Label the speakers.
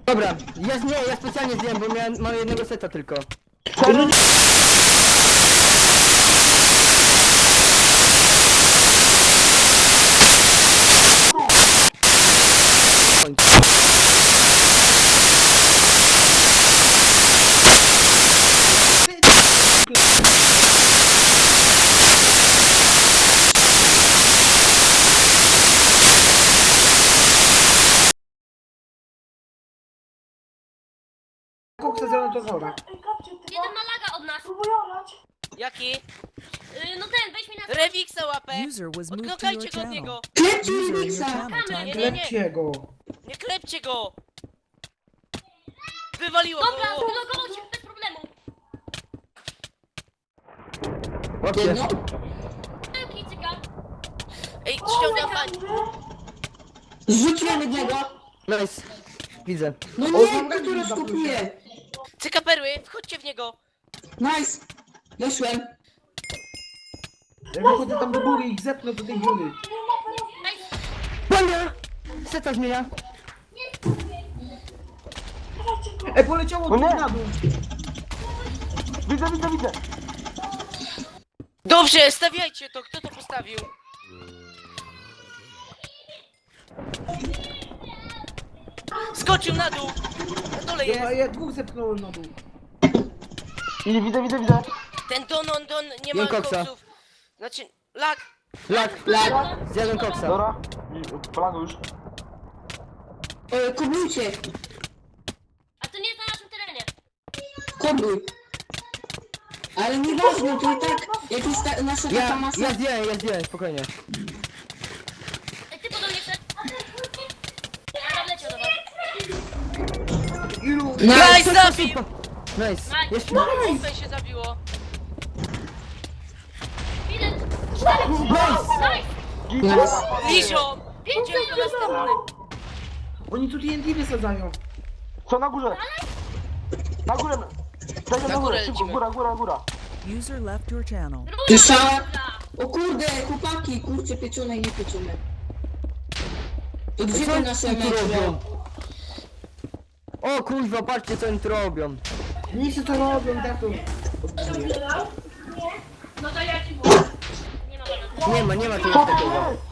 Speaker 1: Dobra, ja specjalnie zdjąłem, bo mam jednego seta tylko.
Speaker 2: Koksa zanotowała.
Speaker 3: Jeden ma laga od nas.
Speaker 4: Jaki?
Speaker 3: No ten, weź mi na...
Speaker 4: Rewiksa łapę!
Speaker 5: User was moved to your
Speaker 4: Odknokajcie go od
Speaker 5: channel.
Speaker 4: niego!
Speaker 6: Klepcie
Speaker 5: User in your
Speaker 6: Rubiksa!
Speaker 5: channel timed
Speaker 4: Nie,
Speaker 5: out.
Speaker 4: nie.
Speaker 2: Klepcie go.
Speaker 4: Nie klepcie go! Wywaliło
Speaker 3: Dobra,
Speaker 4: go!
Speaker 3: wylogował się bez problemu.
Speaker 1: Łapcie.
Speaker 6: Jedno?
Speaker 3: Kicyka.
Speaker 4: Ej, ściągam pań!
Speaker 6: Zrzuciłem jednego!
Speaker 1: Nice. Widzę.
Speaker 6: No
Speaker 2: O,
Speaker 6: nie,
Speaker 2: mam
Speaker 6: który
Speaker 2: rękę
Speaker 6: skupuje!
Speaker 4: Cyka perły, wchodźcie w niego!
Speaker 6: Nice! Weszłem!
Speaker 2: Jak wychodzę tam do góry i ich zepnę do tej dziury.
Speaker 1: Pania! Seta zmienia.
Speaker 2: Poleciało tu na dół.
Speaker 7: Widzę.
Speaker 4: Dobrze, stawiajcie to! Kto to postawił? Skoczył na dół! Na dole jest!
Speaker 2: Ja dwóch zepchnąłem na dół.
Speaker 7: Widzę.
Speaker 4: Ten Don nie ma
Speaker 1: Jem koksa.
Speaker 4: koksów. Znaczy, lag!
Speaker 1: Lak. Zjadłem koksa.
Speaker 7: Dobra. Polago już.
Speaker 6: Koblujcie!
Speaker 3: A to nie jest na naszym terenie.
Speaker 6: Kobluj! Ale nieważne, to i tak, jak jest nasza taka masa...
Speaker 1: Ja zdjąłem, spokojnie.
Speaker 3: Ej, ty podobnie szedł. Ja wleciał do was.
Speaker 2: Ilu?
Speaker 4: Nice, zabił!
Speaker 1: Nice. Jeszcze.
Speaker 4: Tutaj się zabiło.
Speaker 3: Ile? 4. Nice.
Speaker 6: Nice.
Speaker 4: Liżą! Idziemy do następny.
Speaker 2: Oni tu TNT wysadzają.
Speaker 7: Co na górze? Na górę. Dajcie
Speaker 4: Na
Speaker 7: na
Speaker 4: górę
Speaker 7: górę, szybko,
Speaker 4: lecimy.
Speaker 7: góra.
Speaker 5: User left your channel.
Speaker 6: Słyszałem? O kurde, chłopaki, kurczę, pieczone i niepieczone. To gdzie te nasze
Speaker 1: oni tu
Speaker 6: mecze?
Speaker 1: robią? O kurwa, patrzcie co oni tu robią.
Speaker 2: Nie się to robią, tak to.
Speaker 3: No to ja ci mówię. Nie ma bana.
Speaker 1: Nie ma czegoś takiego.